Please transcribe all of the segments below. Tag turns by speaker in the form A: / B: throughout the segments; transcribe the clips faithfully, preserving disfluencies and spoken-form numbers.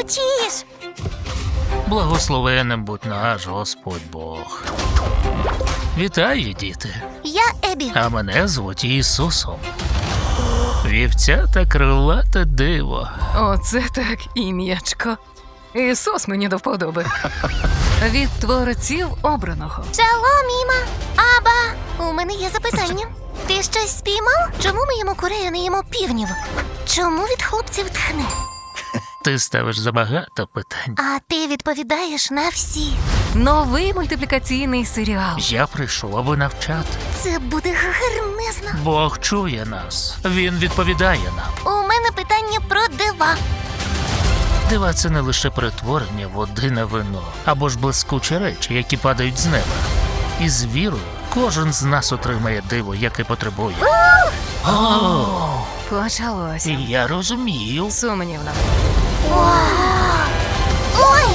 A: кричиш?
B: Благословенним будь наш Господь Бог. Вітаю, діти.
A: Я Ебі.
B: А мене звуть Ісусом. Вівця та крилате диво.
C: Оце так ім'ячко. Ісус мені до вподоби. Від творців обраного.
A: Шалом, Іма. Аба, у мене є запитання. Ти щось спіймав? Чому ми їмо курей, а не їмо півнів? Чому від хлопців тхне?
B: Ти ставиш забагато питань.
A: А ти відповідаєш на всі.
C: Новий мультиплікаційний серіал.
B: Я прийшов, аби навчати.
A: Це буде гарнезно.
B: Бог чує нас. Він відповідає нам.
A: У мене питання про дива.
B: Дива – це не лише перетворення води на вино, або ж блискучі речі, які падають з неба. І з вірою кожен з нас отримає диво, яке потребує. О,
C: Почалося.
B: я розумію.
C: Сумнівно.
A: Ой!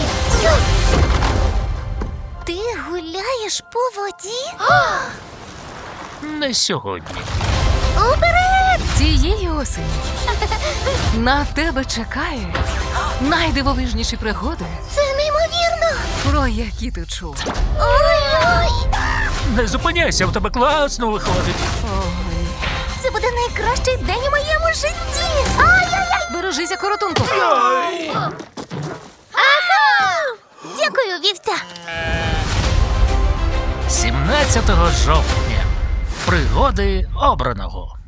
A: Ти гуляєш по воді?
B: Не сьогодні.
A: Уперед!
C: Цієї осені на тебе чекають найдивовижніші пригоди,
A: Це неймовірно!
C: про які ти чув.
A: Ой-ой!
B: Не зупиняйся, в тебе класно виходить.
C: Ой.
A: Це буде найкращий день у моєму житті! Ай-яй-яй!
C: Бережися, коротунку.
A: Ага! Дякую, вівця!
B: сімнадцятого жовтня. Пригоди обраного.